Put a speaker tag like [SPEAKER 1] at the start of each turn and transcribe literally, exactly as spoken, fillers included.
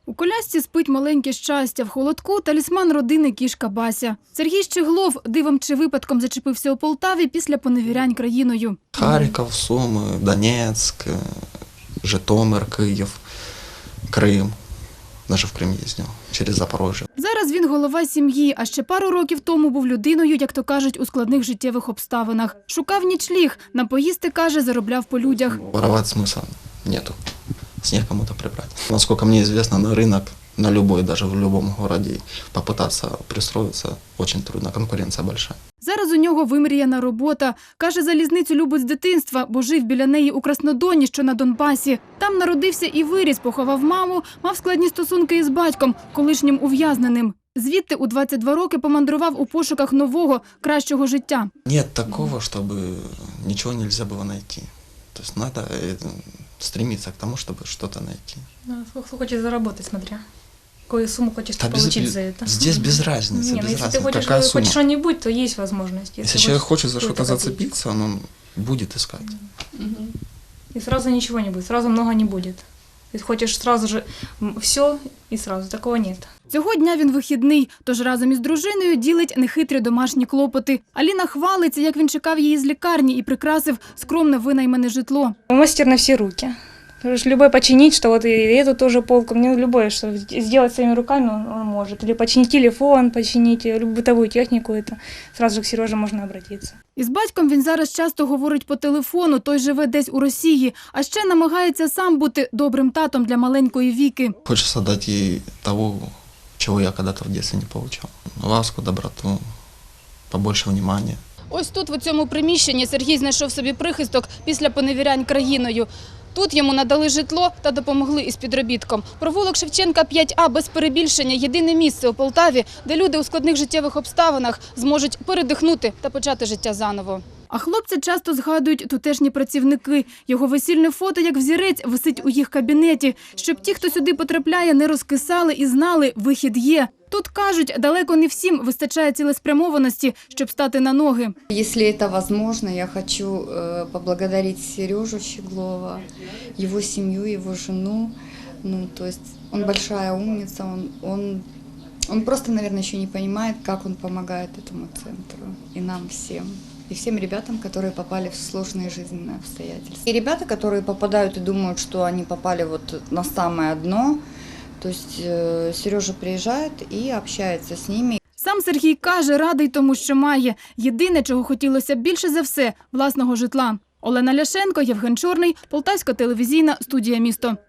[SPEAKER 1] У колясці спить маленьке щастя, в холодку – талісман родини кішка Бася. Сергій Щеглов дивом чи випадком зачепився у Полтаві після поневірянь країною.
[SPEAKER 2] Харків, Суми, Донецьк, Житомир, Київ, Крим. Навіть в Крим їздив, через Запорожжя.
[SPEAKER 1] Зараз він голова сім'ї, а ще пару років тому був людиною, як то кажуть, у складних життєвих обставинах. Шукав нічліг, на поїсти, каже, заробляв по людях.
[SPEAKER 2] Воровать смысла нету, снег кому-то прибрать. Насколько мне известно, на рынок, на любой, даже в любом городе, попытаться пристроиться очень трудно, конкуренция большая.
[SPEAKER 1] Зараз у нього вимріяна робота. Каже, залізницю любить з дитинства, бо жив біля неї у Краснодоні, що на Донбасі. Там народився і виріс, поховав маму, мав складні стосунки із батьком, колишнім ув'язненим. Звідти у двадцять два роки помандрував у пошуках нового, кращого життя.
[SPEAKER 2] Нет такого, чтобы ничего нельзя было найти. То есть надо стремиться к тому, чтобы что-то найти.
[SPEAKER 3] Да, сколько хочешь заработать, смотря. Какую сумму хочешь
[SPEAKER 2] Да,
[SPEAKER 3] получить
[SPEAKER 2] без,
[SPEAKER 3] за это.
[SPEAKER 2] Здесь без разницы.
[SPEAKER 3] Не,
[SPEAKER 2] без
[SPEAKER 3] ну, если
[SPEAKER 2] разницы.
[SPEAKER 3] ты хочешь
[SPEAKER 2] Какая
[SPEAKER 3] хоть
[SPEAKER 2] сумма?
[SPEAKER 3] что-нибудь, то есть возможность.
[SPEAKER 2] Если,
[SPEAKER 3] Если,
[SPEAKER 2] человек хочет за
[SPEAKER 3] какую-то
[SPEAKER 2] что-то
[SPEAKER 3] копейку.
[SPEAKER 2] зацепиться, он будет искать.
[SPEAKER 3] И сразу ничего не будет, сразу много не будет. Ты хочешь сразу же все и сразу, такого нет.
[SPEAKER 1] Цього дня він вихідний, тож разом із дружиною ділить нехитрі домашні клопоти. Аліна хвалиться, як він чекав її з лікарні і прикрасив скромне винаймане житло.
[SPEAKER 3] Мастер на все руки. Потому что любой починить, что вот и эту тоже полку, мне любое, что сделать своими руками он, он может. Или починить телефон, починить любую бытовую технику, это сразу же к Сереже можно обратиться.
[SPEAKER 1] Із батьком він зараз часто говорить по телефону, той живе десь у Росії, а ще намагається сам бути добрим татом для маленької Віки.
[SPEAKER 2] Хочется дать ей того, чего я когда-то в детстве не получал. Ласку, доброту, побольше внимания.
[SPEAKER 1] Ось тут, в цьому приміщенні, Сергій знайшов собі прихисток після поневірянь країною. Тут йому надали житло та допомогли із підробітком. Провулок Шевченка п'ять А без перебільшення – єдине місце у Полтаві, де люди у складних життєвих обставинах зможуть передихнути та почати життя заново. А хлопця часто згадують тутешні працівники. Його весільне фото, як взірець, висить у їх кабінеті. Щоб ті, хто сюди потрапляє, не розкисали і знали – вихід є. Тут, кажуть, далеко не всім вистачає цілеспрямованості, щоб стати на ноги.
[SPEAKER 4] Если это возможно, я хочу э, поблагодарить Сережу Щеглова, его семью, его жену. Ну, то есть он большая умница, он, он, он просто, наверное, еще не понимает, как он помогает этому центру и нам всем. И всем ребятам, которые попали в сложные жизненные обстоятельства. И ребята, которые попадают и думают, что они попали вот на самое дно, то есть э, Сережа приезжает и общается с ними.
[SPEAKER 1] Сам Сергій каже, радий тому, що має. Єдине, чого хотілося б більше за все – власного житла. Олена Ляшенко, Євген Чорний, Полтавська телевізійна студія «Місто».